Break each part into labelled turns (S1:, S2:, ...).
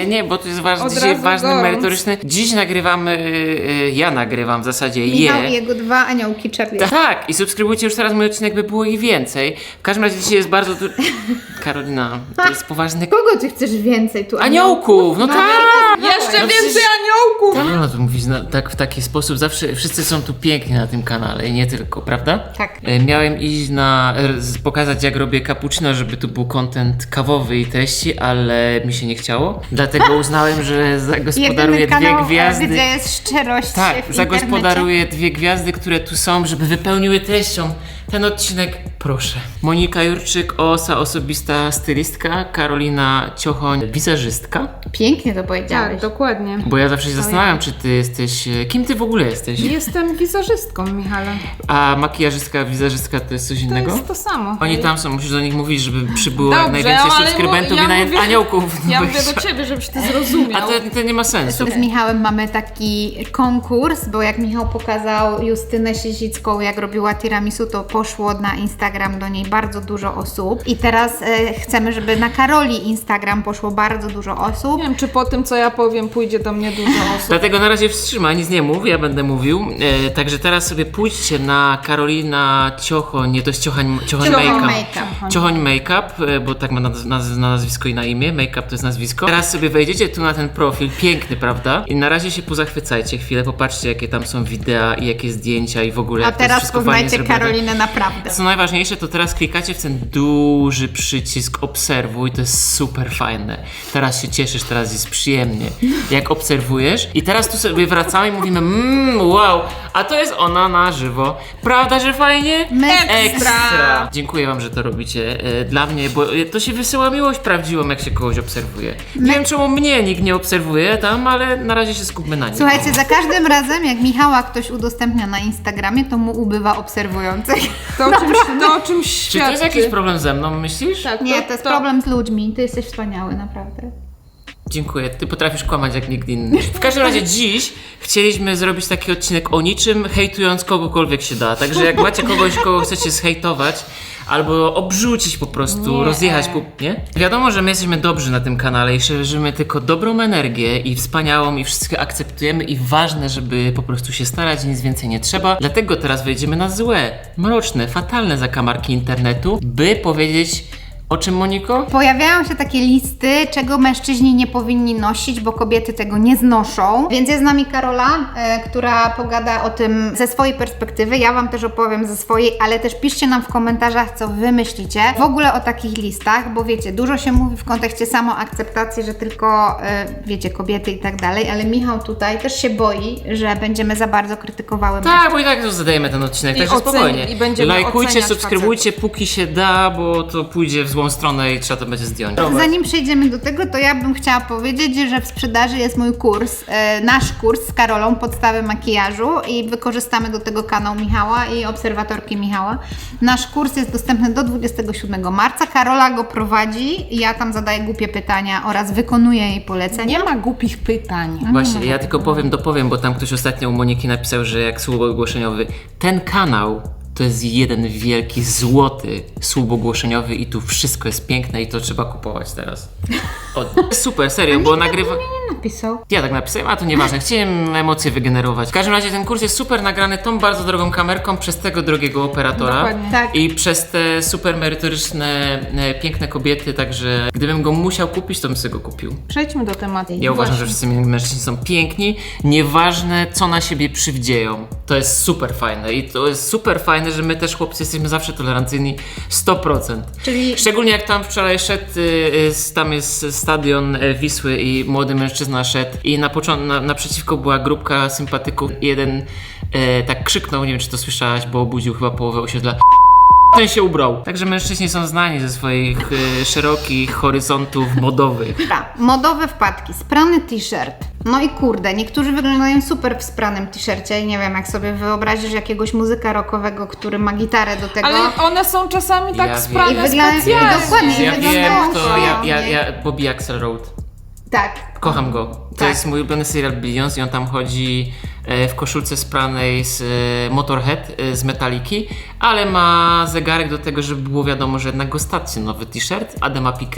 S1: Nie, bo to jest dzisiaj ważny, merytoryczny. Dziś nagrywamy, ja nagrywam w zasadzie
S2: Michał i jego 2 aniołki Charlie.
S1: Tak, i subskrybujcie już teraz mój odcinek, by było ich więcej. W każdym razie dzisiaj jest bardzo dużo... Karolina, to jest poważny...
S2: Kogo ty chcesz więcej tu?
S1: Aniołków! No tak!
S3: Jeszcze więcej aniołków!
S1: No to mówisz w taki sposób, zawsze wszyscy są tu piękni na tym kanale i nie tylko, prawda?
S2: Tak.
S1: Miałem iść pokazać jak robię cappuccino, żeby tu był content kawowy i treści, ale mi się nie chciało. Dlatego uznałem, że zagospodaruję 2 gwiazdy.
S2: Gdzie jest szczerość
S1: Tak,
S2: w
S1: zagospodaruję 2 gwiazdy, które tu są, żeby wypełniły treścią ten odcinek. Proszę. Monika Jurczyk, osobista stylistka, Karolina Ciochoń, wizerzystka.
S2: Pięknie to powiedziałeś.
S3: Tak, dokładnie.
S1: Bo ja zawsze się zastanawiam, czy ty jesteś... Kim ty w ogóle jesteś?
S3: Jestem wizerzystką, Michale.
S1: A makijażystka, wizerzystka to jest coś
S3: To
S1: innego?
S3: jest to samo.
S1: Oni tam są, musisz do nich mówić, żeby przybyło jak
S3: Dobrze,
S1: najwięcej
S3: ale
S1: subskrybentów
S3: ja
S1: i
S3: mówię-
S1: aniołków.
S3: Ja mówię do ciebie, żebyś ty zrozumiał.
S1: A to nie ma sensu.
S2: Z Michałem mamy taki konkurs, bo jak Michał pokazał Justynę Siezicką, jak robiła tiramisu, to poszło na Instagram do niej bardzo dużo osób. I teraz chcemy, żeby na Karoli Instagram poszło bardzo dużo osób.
S3: Nie wiem, czy po tym, co ja powiem, pójdzie do mnie dużo osób.
S1: Dlatego na razie wstrzymaj, nic nie mów, ja będę mówił. Także teraz sobie pójdźcie na Karolina Ciochoń, nie to jest Ciochoń Makeup. Ciochoń Makeup, bo tak ma na nazwisko i na imię. Makeup to jest nazwisko. Teraz sobie wejdziecie tu na ten profil, piękny, prawda? I na razie się pozachwycajcie chwilę, popatrzcie jakie tam są wideo i jakie zdjęcia i w ogóle
S2: A
S1: jak to jest
S2: teraz
S1: wszystko fajnie
S2: poznajcie
S1: zrobione.
S2: Karolinę naprawdę.
S1: Co najważniejsze, to teraz klikacie w ten duży przycisk obserwuj, to jest super fajne. Teraz się cieszysz, teraz jest przyjemnie, jak obserwujesz. I teraz tu sobie wracamy i mówimy wow, a to jest ona na żywo. Prawda, że fajnie?
S2: Ekstra!
S1: Dziękuję wam, że to robicie dla mnie, bo to się wysyła miłość prawdziwą, jak się kogoś obserwuje. Nie wiem, czemu mnie nikt nie obserwuje tam, ale na razie się skupmy na nim.
S2: Słuchajcie, za każdym razem jak Michała ktoś udostępnia na Instagramie, to mu ubywa obserwujących.
S3: To o czymś
S1: Czy
S3: świadczy.
S1: to jest jakiś problem ze mną, myślisz?
S3: Tak,
S2: Nie, to jest problem z ludźmi. Ty jesteś wspaniały, naprawdę.
S1: Dziękuję, ty potrafisz kłamać jak nikt inny. W każdym razie dziś chcieliśmy zrobić taki odcinek o niczym, hejtując kogokolwiek się da. Także jak macie kogoś, kogo chcecie zhejtować, albo obrzucić po prostu, rozjechać, nie? Wiadomo, że my jesteśmy dobrzy na tym kanale i szerzymy tylko dobrą energię i wspaniałą i wszystko akceptujemy i ważne, żeby po prostu się starać, nic więcej nie trzeba. Dlatego teraz wejdziemy na złe, mroczne, fatalne zakamarki internetu, by powiedzieć... O czym, Moniko?
S2: Pojawiają się takie listy, czego mężczyźni nie powinni nosić, bo kobiety tego nie znoszą. Więc jest z nami Karola, która pogada o tym ze swojej perspektywy. Ja wam też opowiem ze swojej, ale też piszcie nam w komentarzach, co wy myślicie w ogóle o takich listach, bo wiecie, dużo się mówi w kontekście samoakceptacji, że tylko, wiecie, kobiety i tak dalej, ale Michał tutaj też się boi, że będziemy za bardzo krytykowały
S1: Tak, bo i tak zadajemy ten odcinek,
S3: I
S1: także spokojnie.
S3: i będziemy
S1: Lajkujcie,
S3: oceniać
S1: subskrybujcie, póki się da, bo to pójdzie w złą stronę i trzeba to będzie zdjąć.
S2: Zanim przejdziemy do tego, to ja bym chciała powiedzieć, że w sprzedaży jest mój kurs, nasz kurs z Karolą, podstawy makijażu i wykorzystamy do tego kanał Michała i obserwatorki Michała. Nasz kurs jest dostępny do 27 marca, Karola go prowadzi, ja tam zadaję głupie pytania oraz wykonuję jej polecenia.
S3: Nie ma głupich pytań.
S1: Właśnie, ja tylko dopowiem, bo tam ktoś ostatnio u Moniki napisał, że jak słup ogłoszeniowy, ten kanał to jest jeden wielki, złoty słup ogłoszeniowy i tu wszystko jest piękne i to trzeba kupować teraz. Super, serio, bo nagrywa...
S2: Nie napisał.
S1: Ja tak napisałem, a to nieważne, chciałem emocje wygenerować. W każdym razie ten kurs jest super nagrany tą bardzo drogą kamerką przez tego drogiego operatora.
S3: Dokładnie.
S2: Tak.
S1: I przez te super merytoryczne, piękne kobiety, także gdybym go musiał kupić, to bym sobie go kupił.
S3: Przejdźmy do tematu.
S1: Ja uważam, że wszyscy mężczyźni są piękni, nieważne co na siebie przywdzieją. To jest super fajne i to jest super fajne, że my też chłopcy jesteśmy zawsze tolerancyjni 100%.
S2: Czyli-
S1: Szczególnie jak tam wczoraj szedł, tam jest stadion Wisły i młody mężczyzna szedł i naprzeciwko była grupka sympatyków. Jeden tak krzyknął, nie wiem czy to słyszałaś, bo obudził chyba połowę osiedla. Ten się ubrał. Także mężczyźni są znani ze swoich szerokich horyzontów modowych.
S2: Tak, modowe wpadki, sprany t-shirt. No i kurde, niektórzy wyglądają super w spranym t-shircie i nie wiem, jak sobie wyobrazisz jakiegoś muzyka rockowego, który ma gitarę do tego.
S3: Ale one są czasami tak
S1: Ja
S3: sprane
S2: wiem. I wygląda-
S3: specjalnie.
S2: dokładnie.
S1: Ja
S2: wyglądają
S1: wiem kto,
S2: szalenie.
S1: ja Bobby Axel Road.
S2: Tak.
S1: Kocham go. To
S2: Tak.
S1: jest mój ulubiony serial Billions i on tam chodzi w koszulce spranej z Motorhead z Metaliki, ale ma zegarek do tego, żeby było wiadomo, że jednak go stać nowy t-shirt Adama Piqué.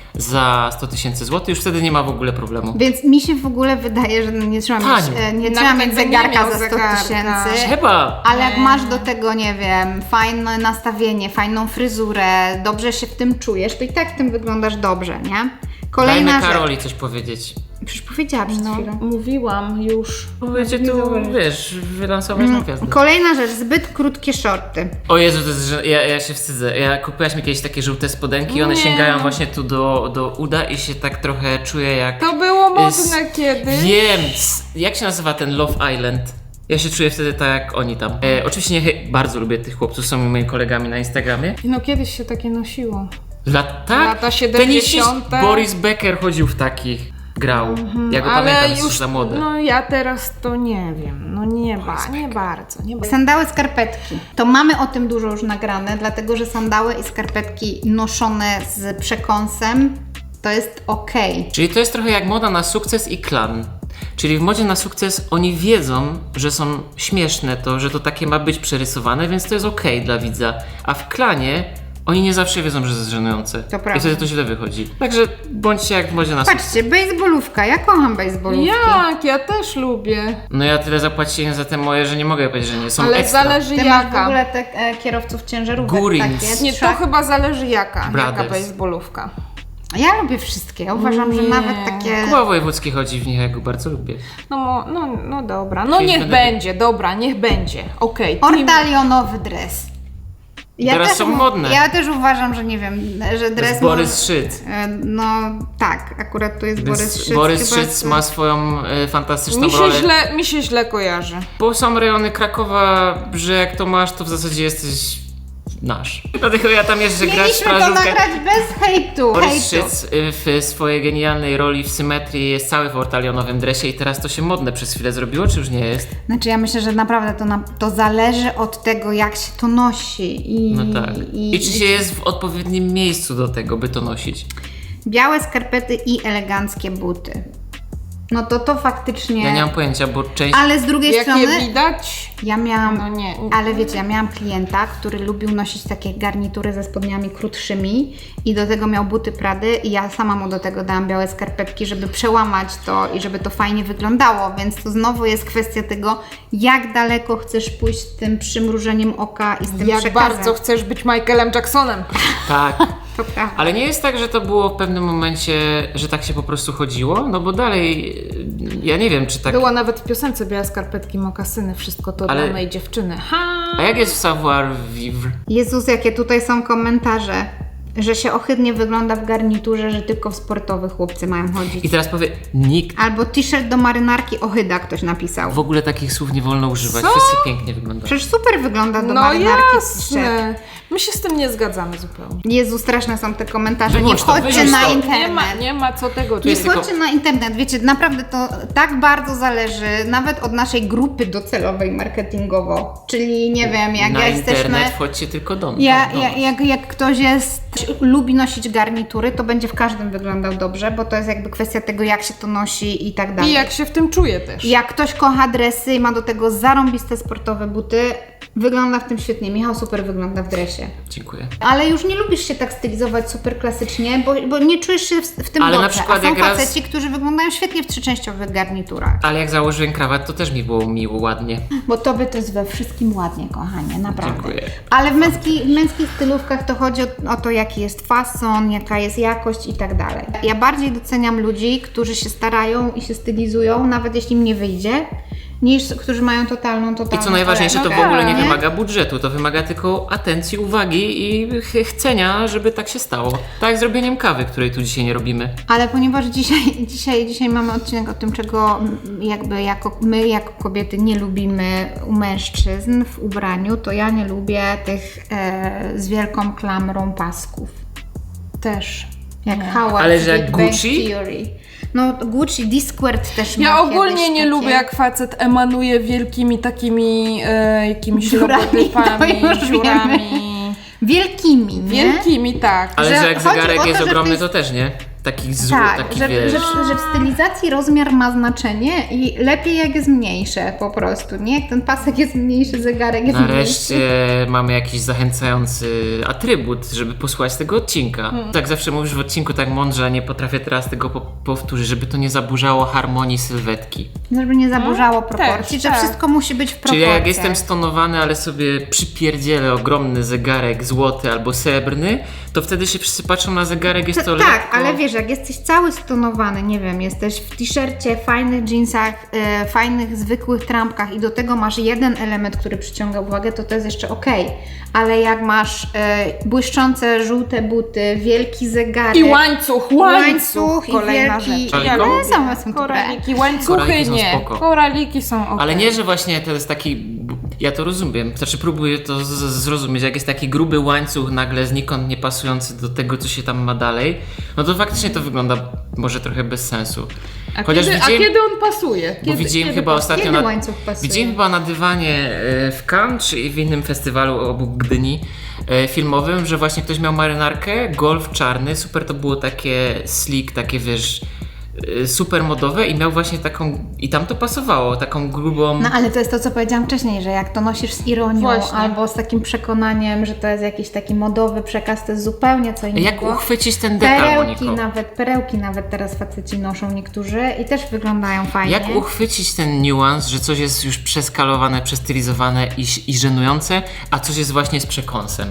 S1: za 100 000 złotych, już wtedy nie ma w ogóle problemu.
S2: Więc mi się w ogóle wydaje, że nie trzeba mieć,
S1: Tanio.
S2: nie trzeba
S3: Nawet
S2: mieć
S3: jakby nie
S2: zegarka
S3: miał
S2: za 100
S3: zegarka.
S2: tysięcy.
S1: Chyba.
S2: Ale jak masz do tego, nie wiem, fajne nastawienie, fajną fryzurę, dobrze się w tym czujesz, to i tak w tym wyglądasz dobrze, nie? Kolejna
S1: Dajmy
S2: rzecz.
S1: Karoli coś powiedzieć.
S2: Przecież powiedziałam przed chwilą.
S3: Mówiłam już.
S1: Będzie tu, wiesz, wylansować na gwiazdę.
S2: Kolejna rzecz, zbyt krótkie shorty.
S1: O Jezu, to jest, że ja się wstydzę. Kupiłaś mi kiedyś takie żółte spodenki, one
S3: Nie.
S1: sięgają właśnie tu do uda i się tak trochę czuję jak...
S3: To było modne
S1: z-
S3: kiedyś.
S1: Wiem! Jak się nazywa ten Love Island? Ja się czuję wtedy tak jak oni tam. Oczywiście bardzo lubię tych chłopców, są moimi kolegami na Instagramie.
S3: No kiedyś się takie nosiło.
S1: Tak?
S3: Lata 70.
S1: Boris Becker chodził w takich. Grał. Ja go pamiętam, jest za młody.
S3: No ja teraz to nie wiem. No nie bardzo.
S2: Sandały, skarpetki. To mamy o tym dużo już nagrane, dlatego że sandały i skarpetki noszone z przekąsem to jest okej.
S1: Czyli to jest trochę jak moda na sukces i klan. Czyli w modzie na sukces oni wiedzą, że są śmieszne to, że to takie ma być przerysowane, więc to jest okej dla widza. A w klanie oni nie zawsze wiedzą, że to jest żenujące.
S2: To prawda.
S1: I wtedy to źle wychodzi. Także bądźcie jak w modzie na sukces.
S2: Patrzcie, baseballówka. Ja kocham baseballówki.
S3: Jak? Ja też lubię.
S1: No ja tyle zapłaciłem za te moje, że nie mogę powiedzieć, że nie. Są
S3: Ale
S1: ekstra.
S3: zależy
S2: Ty masz w
S3: jaka.
S2: ogóle te kierowców ciężarówek
S1: Gurins.
S2: takie.
S3: Nie, to chyba zależy jaka
S1: Brothers.
S3: baseballówka.
S2: Ja lubię wszystkie. Ja uważam, że
S3: Nie.
S2: nawet takie...
S1: Kuba Wojewódzki chodzi w nich, ja go bardzo lubię.
S3: No dobra. No
S1: Kiedyś
S3: niech
S1: będę-
S3: będzie, dobra, niech będzie. Okej.
S2: Ortalionowy dres.
S1: Teraz są modne.
S2: Ja też uważam, że nie wiem, że
S1: To jest
S2: dres...
S1: Borys Szyc.
S2: No tak, akurat tu jest Borys Szyc.
S1: Borys
S2: chyba
S1: Szyc
S2: z-
S1: ma swoją fantastyczną rolę.
S3: Mi się źle kojarzy.
S1: Bo są rejony Krakowa, że jak to masz, to w zasadzie jesteś nasz. Dlatego ja tam jeżdżę grać w
S2: Mieliśmy to
S1: plażówkę.
S2: nagrać bez hejtu.
S1: Borys Szyc w swojej genialnej roli w Symetrii jest cały w ortalionowym dresie i teraz to się modne przez chwilę zrobiło, czy już nie jest?
S2: Znaczy ja myślę, że naprawdę to zależy od tego, jak się to nosi.
S1: No tak. I czy się jest w odpowiednim miejscu do tego, by to nosić?
S2: Białe skarpety i eleganckie buty. No to faktycznie...
S1: Ja nie mam pojęcia, bo część...
S2: Ale z drugiej
S3: Jak
S2: strony...
S3: je widać?
S2: Ja miałam,
S3: No nie.
S2: ale wiecie, ja miałam klienta, który lubił nosić takie garnitury ze spodniami krótszymi i do tego miał buty Prady i ja sama mu do tego dałam białe skarpetki, żeby przełamać to i żeby to fajnie wyglądało, więc to znowu jest kwestia tego, jak daleko chcesz pójść z tym przymrużeniem oka i z tym
S3: Jak
S2: przekazem.
S3: bardzo chcesz być Michaelem Jacksonem.
S1: Tak.
S2: To prawda.
S1: Ale nie jest tak, że to było w pewnym momencie, że tak się po prostu chodziło? No bo dalej, ja nie wiem, czy tak...
S3: Była nawet w piosence białe skarpetki, mokasyny, wszystko to
S1: Ale-
S3: dla mojej dziewczyny.
S1: A jak jest w savoir-vivre?
S2: Jezus, jakie tutaj są komentarze, że się ohydnie wygląda w garniturze, że tylko w sportowych chłopcy mają chodzić.
S1: I teraz powie, nikt.
S2: Albo t-shirt do marynarki ohyda, ktoś napisał.
S1: W ogóle takich słów nie wolno używać.
S3: Co?
S1: Wszyscy pięknie wyglądają.
S2: Przecież super wygląda do
S3: No
S2: marynarki t-shirt.
S3: jasne. My się z tym nie zgadzamy zupełnie.
S2: Jezu, straszne są te komentarze.
S1: Wyłącz
S2: Nie
S1: to,
S2: wchodźcie
S1: wyrzuć
S2: na
S1: to.
S2: internet.
S3: Nie ma co tego
S2: Nie
S1: jest tylko-
S2: wchodźcie na internet. Wiecie, naprawdę to tak bardzo zależy nawet od naszej grupy docelowej marketingowo. Czyli nie wiem, jak
S1: Na
S2: jesteśmy...
S1: internet wchodźcie tylko do nas.
S2: Jak ktoś lubi nosić garnitury, to będzie w każdym wyglądał dobrze, bo to jest jakby kwestia tego, jak się to nosi i tak dalej.
S3: I jak się w tym czuje też.
S2: Jak ktoś kocha dresy i ma do tego zarąbiste sportowe buty, wygląda w tym świetnie. Michał super wygląda w dresie.
S1: Dziękuję.
S2: Ale już nie lubisz się tak stylizować super klasycznie, bo nie czujesz się w tym
S1: Ale na
S2: dobrze.
S1: przykład
S2: A są
S1: jak raz-
S2: faceci, którzy wyglądają świetnie w trzyczęściowych garniturach.
S1: Ale jak założyłem krawat, to też mi było miło, ładnie.
S2: Bo tobie to jest we wszystkim ładnie, kochanie, naprawdę.
S1: Dziękuję.
S2: Ale w męskich stylówkach to chodzi o to, jaki jest fason, jaka jest jakość i tak dalej. Ja bardziej doceniam ludzi, którzy się starają i się stylizują, nawet jeśli im nie wyjdzie, niż którzy mają totalną
S1: I co najważniejsze, to
S2: torebkę.
S1: w ogóle nie
S2: Nie?
S1: wymaga budżetu, to wymaga tylko atencji, uwagi i chcenia, żeby tak się stało. Tak jak zrobieniem kawy, której tu dzisiaj nie robimy.
S2: Ale ponieważ dzisiaj mamy odcinek o tym, czego jakby my jako kobiety nie lubimy u mężczyzn w ubraniu, to ja nie lubię tych z wielką klamrą pasków.
S3: Też.
S2: Jak Howard
S1: Ale
S2: z
S1: że jak
S2: Big Bang
S1: Gucci?
S2: Theory. No Gucci, Discord też ma
S3: Ja ogólnie
S2: kiedyś
S3: nie
S2: takie...
S3: lubię, jak facet emanuje wielkimi takimi jakimiś
S2: Dziurami,
S3: logotypami,
S2: to już
S3: dziurami.
S2: Wielkimi, nie?
S3: Wielkimi, tak.
S1: Ale
S2: Że
S1: że jak
S2: chodzi o
S1: zegarek
S2: to,
S1: jest
S2: że
S1: ogromny,
S2: to
S1: to też nie. taki
S2: Tak, że,
S1: wiesz...
S2: że w stylizacji rozmiar ma znaczenie i lepiej jak jest mniejsze po prostu, nie? Jak ten pasek jest mniejszy, zegarek jest
S1: Nareszcie
S2: mniejszy.
S1: mamy jakiś zachęcający atrybut, żeby posłuchać tego odcinka. Tak zawsze mówisz w odcinku tak mądrze, a nie potrafię teraz tego powtórzyć, żeby to nie zaburzało harmonii sylwetki.
S2: Żeby nie zaburzało proporcji,
S3: też,
S2: że
S3: tak.
S2: wszystko musi być w
S1: Czyli
S2: proporcjach.
S1: jak jestem stonowany, ale sobie przypierdzielę ogromny zegarek złoty albo srebrny, to wtedy się wszyscy patrzą na zegarek, jest to
S2: Tak,
S1: lekko...
S2: ale wiesz, jak jesteś cały stonowany, nie wiem, jesteś w t-shircie, fajnych jeansach, fajnych, zwykłych trampkach i do tego masz jeden element, który przyciąga uwagę, to jest jeszcze okej. Ale jak masz błyszczące, żółte buty, wielki zegarek...
S3: I łańcuch
S2: Łańcuch i
S3: kolejna
S2: wielki-
S3: rzecz.
S1: Ale
S2: Ale same są dobre.
S3: Koraliki, łańcuchy
S1: Koraliki są
S3: nie.
S1: spoko.
S3: Koraliki są ok.
S1: Ale nie, że właśnie to jest taki... Ja to rozumiem, znaczy próbuję to zrozumieć, jak jest taki gruby łańcuch nagle znikąd nie pasujący do tego, co się tam ma dalej, no to faktycznie to wygląda może trochę bez sensu.
S3: A
S1: Chociaż
S3: kiedy,
S1: widziałem,
S3: a kiedy on pasuje?
S1: bo widziałem chyba
S3: pasuje?
S1: ostatnio
S2: Kiedy łańcuch pasuje?
S1: widziałem chyba na dywanie w Cannes czy w innym festiwalu obok Gdyni filmowym, że właśnie ktoś miał marynarkę, golf czarny, super to było takie slick, takie wiesz, super modowe i miał właśnie taką, i tam to pasowało, taką grubą...
S2: No ale to jest to, co powiedziałam wcześniej, że jak to nosisz z ironią
S3: Właśnie.
S2: albo z takim przekonaniem, że to jest jakiś taki modowy przekaz, to jest zupełnie co innego.
S1: Jak uchwycić ten detal, Moniko?
S2: Perełki nawet teraz faceci noszą niektórzy i też wyglądają fajnie.
S1: Jak uchwycić ten niuans, że coś jest już przeskalowane, przestylizowane i żenujące, a coś jest właśnie z przekąsem?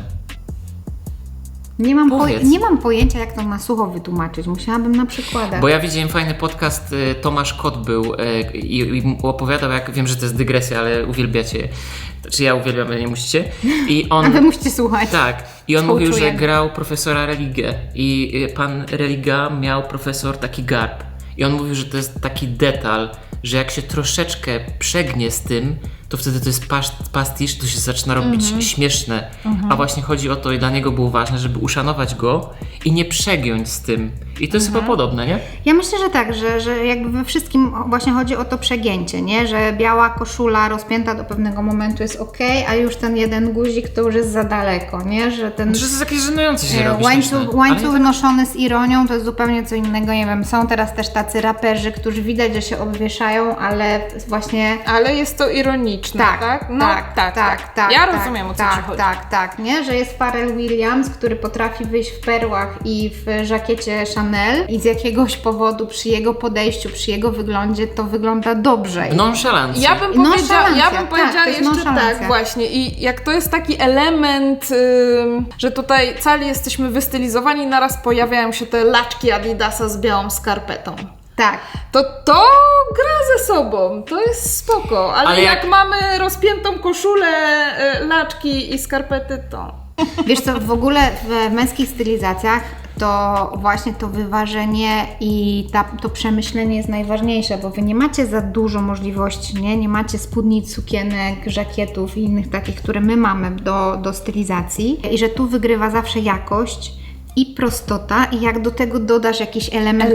S1: Powiedz.
S2: Nie mam pojęcia, jak to na sucho wytłumaczyć. Musiałabym na przykładach.
S1: Bo ja widziałem fajny podcast, Tomasz Kot był i opowiadał, jak wiem, że to jest dygresja, ale uwielbiacie. Znaczy ja uwielbiam, ale nie musicie. I on...
S2: A wy musicie słuchać.
S1: Tak. I on mówił, że
S2: Współczuję.
S1: grał profesora Religę i pan Religa miał profesor taki garb. I on mówił, że to jest taki detal, że jak się troszeczkę przegnie z tym, to wtedy to jest pastisz, to się zaczyna robić śmieszne. A właśnie chodzi o to i dla niego było ważne, żeby uszanować go i nie przegiąć z tym. I to jest chyba podobne, nie?
S2: Ja myślę, że tak, że jakby we wszystkim właśnie chodzi o to przegięcie, nie? Że biała koszula rozpięta do pewnego momentu jest okej, a już ten jeden guzik to już jest za daleko, nie? Że ten
S1: Że to jest jakieś żenujące się robi.
S2: łańcuch noszony z ironią to jest zupełnie co innego, nie wiem, są teraz też tacy raperzy, którzy widać, że się obwieszają, ale właśnie...
S3: Ale jest to ironiczne, tak? No, tak. Ja rozumiem, o co ci chodzi.
S2: Tak, nie? Że jest Pharrell Williams, który potrafi wyjść w perłach i w żakiecie Chanel i z jakiegoś powodu przy jego podejściu, przy jego wyglądzie to wygląda dobrze.
S1: Nonszalancja.
S3: Ja bym powiedziała
S2: to jest
S3: jeszcze
S2: nonszalancja.
S3: tak właśnie i jak to jest taki element, że tutaj cali jesteśmy wystylizowani, naraz pojawiają się te laczki Adidasa z białą skarpetą.
S2: Tak.
S3: To gra ze sobą, to jest spoko, ale jak mamy rozpiętą koszulę, laczki i skarpety, to...
S2: Wiesz co, w ogóle w męskich stylizacjach to właśnie to wyważenie i to przemyślenie jest najważniejsze, bo wy nie macie za dużo możliwości, nie macie spódnic, sukienek, żakietów i innych takich, które my mamy do stylizacji i że tu wygrywa zawsze jakość i prostota i jak do tego dodasz jakiś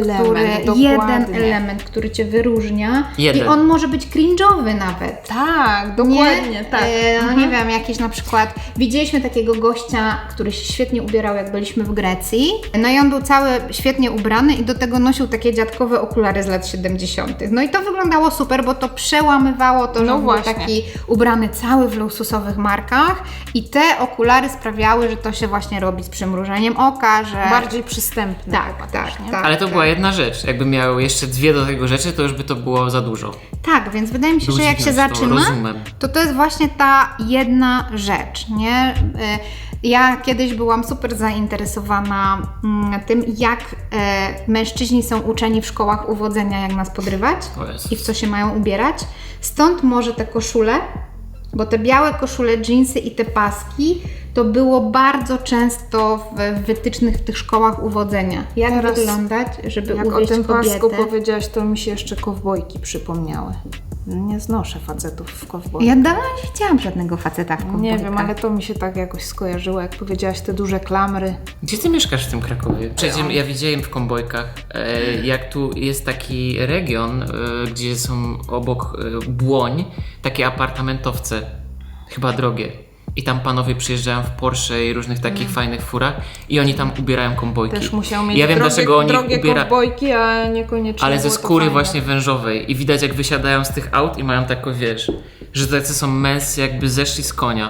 S2: jeden element, który Cię wyróżnia i on może być cringe'owy nawet.
S3: Tak, dokładnie, tak.
S2: No nie wiem, jakieś na przykład, widzieliśmy takiego gościa, który się świetnie ubierał, jak byliśmy w Grecji. No i on był cały świetnie ubrany i do tego nosił takie dziadkowe okulary z lat 70. No i to wyglądało super, bo to przełamywało to, że był taki ubrany cały w luksusowych markach i te okulary sprawiały, że to się właśnie robi z przymrużeniem oka, że...
S3: Bardziej przystępne.
S2: Tak.
S1: Ale to była jedna rzecz. Jakby miał jeszcze dwie do tego rzeczy, to już by to było za dużo.
S2: Tak, więc wydaje mi się, że jak się
S1: to
S2: zaczyna,
S1: rozumiem.
S2: to jest właśnie ta jedna rzecz, nie? Ja kiedyś byłam super zainteresowana tym, jak mężczyźni są uczeni w szkołach uwodzenia, jak nas podrywać i w co się mają ubierać. Stąd może te koszule, bo te białe koszule, dżinsy i te paski to było bardzo często w wytycznych w tych szkołach uwodzenia. Jak
S3: teraz
S2: wyglądać, żeby
S3: jak
S2: uwieść
S3: o tym
S2: kobietę.
S3: pasku powiedziałaś, to mi się jeszcze kowbojki przypomniały. Nie znoszę facetów w kowbojkach.
S2: Ja dawno nie widziałam żadnego faceta w kowbojkach.
S3: Nie wiem, ale to mi się tak jakoś skojarzyło, jak powiedziałaś te duże klamry.
S1: Gdzie ty mieszkasz w tym Krakowie? Przecież ja widziałem w Kąbojkach, jak tu jest taki region, gdzie są obok Błoń takie apartamentowce, chyba drogie. I tam panowie przyjeżdżają w Porsche i różnych takich fajnych furach i oni tam ubierają kąbojki.
S3: Też musiał mieć
S1: ja wiem, dlaczego oni
S3: drogie kowbojki, a niekoniecznie
S1: ale ze
S3: było to
S1: skóry
S3: fajne.
S1: właśnie wężowej. I widać, jak wysiadają z tych aut i mają taką, wiesz, że tacy są męscy, jakby zeszli z konia.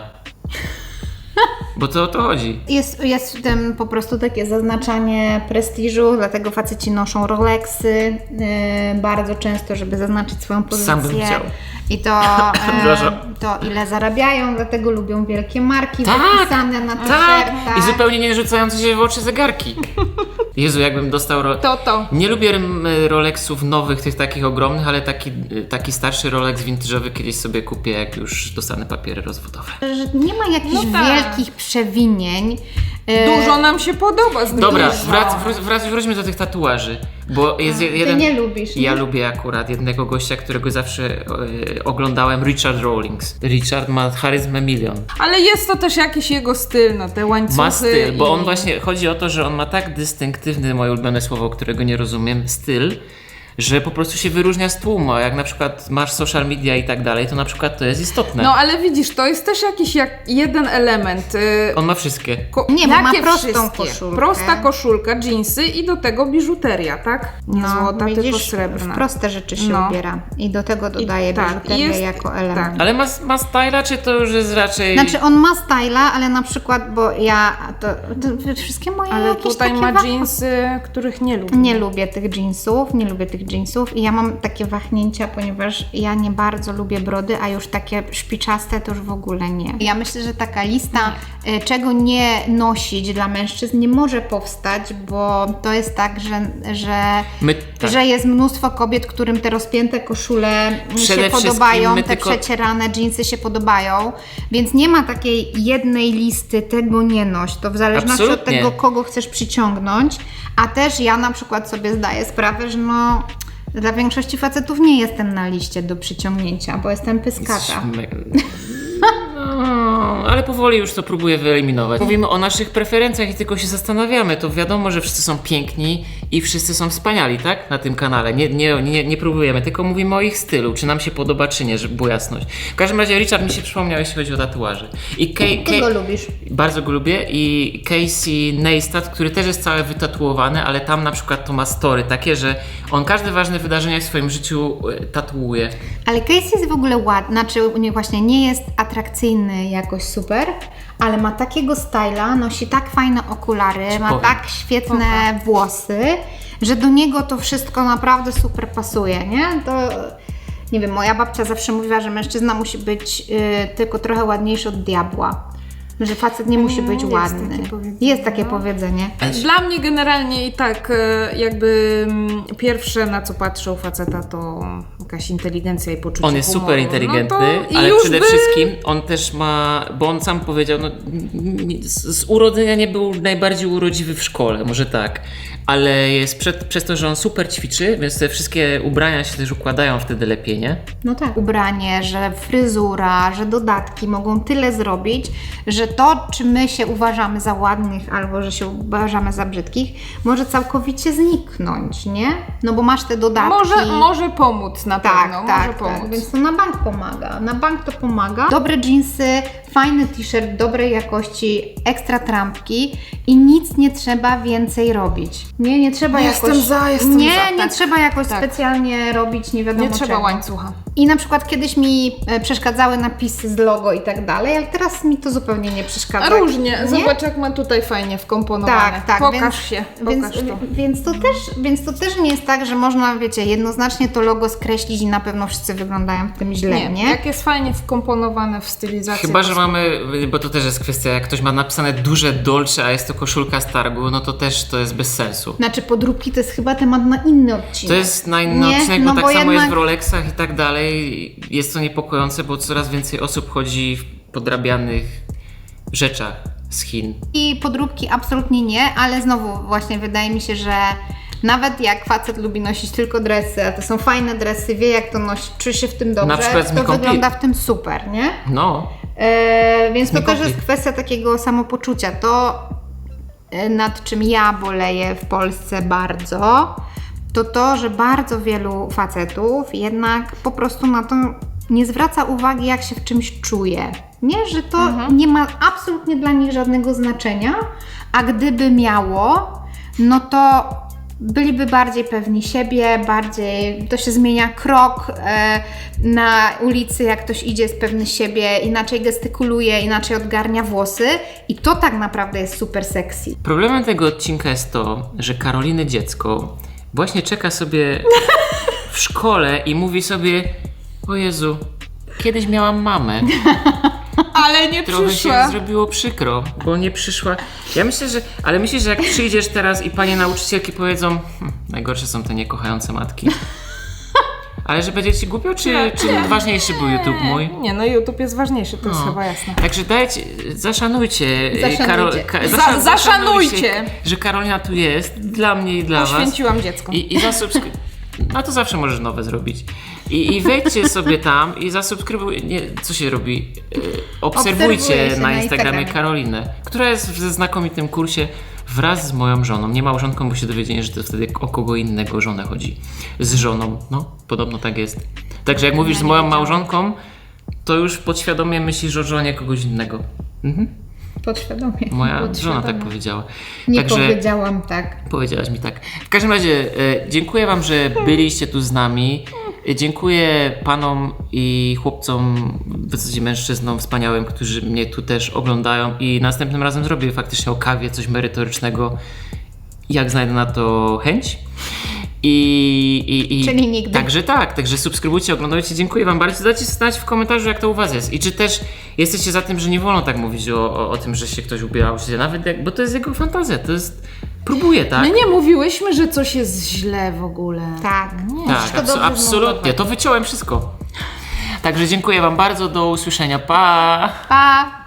S1: Bo to o to chodzi.
S2: Jest w tym po prostu takie zaznaczanie prestiżu, dlatego faceci noszą Rolexy bardzo często, żeby zaznaczyć swoją pozycję.
S1: Sam bym chciał.
S2: I to ile zarabiają, dlatego lubią wielkie marki wypisane na t-shirtach.
S1: I zupełnie nie rzucające się w oczy zegarki. Jezu, jakbym dostał...
S3: To.
S1: Nie lubię Rolexów nowych, tych takich ogromnych, ale taki starszy Rolex vintage'owy kiedyś sobie kupię, jak już dostanę papiery rozwodowe.
S2: Że nie ma jakichś
S3: No tak.
S2: wielkich przewinień.
S3: Dużo nam się podoba z
S1: Dobra,
S3: dużo.
S1: wróćmy do tych tatuaży, bo jest jeden...
S2: Ty nie lubisz, nie?
S1: Ja lubię akurat jednego gościa, którego zawsze oglądałem, Richard Rawlings. Richard ma charyzmę milion.
S3: Ale jest to też jakiś jego styl, no te łańcuchy.
S1: Ma styl, bo
S3: i-
S1: on właśnie, chodzi o to, że on ma tak dystynktywny, moje ulubione słowo, którego nie rozumiem, styl, że po prostu się wyróżnia z tłumu. A jak na przykład masz social media i tak dalej, to na przykład to jest istotne.
S3: No ale widzisz, to jest też jakiś jeden element.
S1: On ma wszystkie.
S2: Nie, bo ma
S3: Jakie
S2: prostą
S3: wszystkie?
S2: koszulkę.
S3: Prosta koszulka, dżinsy i do tego biżuteria, tak? Nie złota, tylko
S2: widzisz,
S3: srebrna.
S2: w proste rzeczy się
S3: No.
S2: ubiera i do tego dodaje
S3: tak,
S2: biżuterię
S3: jest-
S2: jako element.
S3: tak.
S1: Ale ma styla, czy to już jest raczej...
S2: Znaczy on ma styla, ale na przykład, bo ja to wszystkie moje
S3: Ale
S2: jakieś
S3: tutaj
S2: takie
S3: ma dżinsy, których nie lubię.
S2: Nie lubię tych jeansów i ja mam takie wahnięcia, ponieważ ja nie bardzo lubię brody, a już takie szpiczaste to już w ogóle nie. Ja myślę, że taka lista, czego nie nosić dla mężczyzn nie może powstać, bo to jest tak, że jest mnóstwo kobiet, którym te rozpięte koszule
S1: Przede
S2: się
S1: wszystkim
S2: podobają,
S1: my
S2: te
S1: tylko-
S2: przecierane dżinsy się podobają, więc nie ma takiej jednej listy, tego nie noś. To w zależności
S1: Absolutnie.
S2: od tego, kogo chcesz przyciągnąć, a też ja na przykład sobie zdaję sprawę, że dla większości facetów nie jestem na liście do przyciągnięcia, bo jestem pyskata.
S1: No, ale powoli już to próbuję wyeliminować. Mówimy o naszych preferencjach i tylko się zastanawiamy. To wiadomo, że wszyscy są piękni i wszyscy są wspaniali, tak? Na tym kanale. Nie próbujemy, tylko mówimy o ich stylu. Czy nam się podoba, czy nie, żeby była jasność. W każdym razie Richard mi się przypomniał, jeśli chodzi o tatuaże. I
S2: Ty go lubisz.
S1: Bardzo go lubię i Casey Neistat, który też jest cały wytatuowany, ale tam na przykład to ma story takie, że on każde ważne wydarzenia w swoim życiu tatuuje.
S2: Ale Casey jest w ogóle ładny, znaczy nie jest atrakcyjny jakoś super, ale ma takiego styla, nosi tak fajne okulary, ma
S1: powiem.
S2: tak świetne włosy, że do niego to wszystko naprawdę super pasuje, nie? To... Nie wiem, moja babcia zawsze mówiła, że mężczyzna musi być tylko trochę ładniejszy od diabła. Że facet nie musi być
S3: jest
S2: ładny.
S3: takie powiedzenie,
S2: Jest takie powiedzenie.
S3: Dla mnie generalnie i tak pierwsze na co patrzę u faceta to jakaś inteligencja i poczucie
S1: On jest
S3: humoru.
S1: super inteligentny,
S3: No to
S1: ale
S3: już
S1: przede wszystkim on też ma, bo on sam powiedział, z urodzenia nie był najbardziej urodziwy w szkole, może tak, ale jest przez to, że on super ćwiczy, więc te wszystkie ubrania się też układają wtedy lepiej, nie?
S2: No tak. Ubranie, że fryzura, że dodatki mogą tyle zrobić, że to, czy my się uważamy za ładnych albo że się uważamy za brzydkich, może całkowicie zniknąć, nie? No bo masz te dodatki.
S3: Może pomóc na pewno, może pomóc.
S2: Tak, więc to na bank pomaga. Na bank to pomaga. Dobre dżinsy, fajny t-shirt dobrej jakości, ekstra trampki i nic nie trzeba więcej robić. Nie trzeba
S3: Jestem
S2: jakoś...
S3: za,
S2: Nie
S3: tak.
S2: trzeba jakoś
S3: Tak.
S2: specjalnie robić nie wiadomo
S3: Nie trzeba
S2: czego.
S3: łańcucha.
S2: I na przykład kiedyś mi przeszkadzały napisy z logo i tak dalej, ale teraz mi to zupełnie nie przeszkadza.
S3: A różnie,
S2: Nie?
S3: zobacz jak ma tutaj fajnie wkomponowane.
S2: Tak,
S3: Pokaż się,
S2: więc,
S3: pokaż to.
S2: Więc to też nie jest tak, że można, wiecie, jednoznacznie to logo skreślić i na pewno wszyscy wyglądają w tym źle, nie?
S3: Jak jest fajnie wkomponowane w stylizacji.
S1: Chyba, że mamy, bo to też jest kwestia, jak ktoś ma napisane duże Dolce, a jest to koszulka z targu, no to też to jest bez sensu.
S2: Znaczy podróbki to jest chyba temat na inny odcinek.
S1: To jest na inny
S2: Nie?
S1: odcinek,
S2: No
S1: bo
S2: bo
S1: tak samo jest w
S2: jednak-
S1: Rolexach i tak dalej. Jest to niepokojące, bo coraz więcej osób chodzi w podrabianych rzeczach z Chin.
S2: I podróbki absolutnie nie, ale znowu właśnie wydaje mi się, że nawet jak facet lubi nosić tylko dresy, a to są fajne dresy, wie jak to nosić, czuje się w tym dobrze,
S1: Na przykład z
S2: to
S1: Miką
S2: wygląda w tym super, nie?
S1: No.
S2: Więc to
S1: Nie
S2: też
S1: komplik.
S2: jest kwestia takiego samopoczucia. To nad czym ja boleję w Polsce bardzo, to, że bardzo wielu facetów jednak po prostu na to nie zwraca uwagi, jak się w czymś czuje. Nie, że to nie ma absolutnie dla nich żadnego znaczenia, a gdyby miało, no to byliby bardziej pewni siebie, bardziej to się zmienia krok na ulicy, jak ktoś idzie jest pewny siebie, inaczej gestykuluje, inaczej odgarnia włosy i to tak naprawdę jest super sexy.
S1: Problemem tego odcinka jest to, że Karoliny dziecko właśnie czeka sobie w szkole i mówi sobie: o Jezu, kiedyś miałam mamę.
S3: Ale nie
S1: Trochę
S3: przyszła.
S1: się zrobiło przykro, bo nie przyszła. Ja myślę, ale myślisz, że jak przyjdziesz teraz i panie nauczycielki powiedzą: najgorsze są te niekochające matki. Ale że będzie ci głupio, czy ważniejszy był YouTube mój?
S3: Nie, no YouTube jest ważniejszy, to jest chyba jasne.
S1: Także zaszanujcie.
S3: Zaszanujcie,
S1: że Karolina tu jest, dla mnie i dla was.
S3: Poświęciłam dziecko.
S1: I zasubskrybuj. No to zawsze możesz nowe zrobić. I wejdźcie sobie tam i zasubskrybuj. Nie, co się robi? Obserwujcie
S2: Obserwuje się
S1: na
S2: na
S1: Instagramie
S2: Instagramie.
S1: Karolinę, która jest w znakomitym kursie wraz z moją żoną. Nie małżonką, bo się dowiedzieli, że to wtedy o kogo innego żonę chodzi. Z żoną. No, podobno tak jest. Także jak mówisz z moją małżonką, to już podświadomie myślisz o żonie kogoś innego.
S2: Podświadomie.
S1: Moja żona tak powiedziała.
S2: Nie
S1: Także
S2: powiedziałam tak.
S1: powiedziałaś mi tak. W każdym razie dziękuję wam, że byliście tu z nami. Dziękuję panom i chłopcom, w zasadzie mężczyznom wspaniałym, którzy mnie tu też oglądają i następnym razem zrobię faktycznie o kawie coś merytorycznego, jak znajdę na to chęć.
S2: Czyli nigdy.
S1: Także subskrybujcie, oglądajcie. Dziękuję wam bardzo. Dajcie znać w komentarzu, jak to u was jest. I czy też jesteście za tym, że nie wolno tak mówić o tym, że się ktoś ubierał, nawet bo to jest jego fantazja, to jest... Próbuję, tak?
S3: My nie mówiłyśmy, że coś jest źle w ogóle.
S2: Tak.
S1: Tak,
S2: Wszystko dobrze
S1: absolutnie.
S2: zmontowane.
S1: To wyciąłem wszystko. Także dziękuję wam bardzo. Do usłyszenia. Pa!
S2: Pa!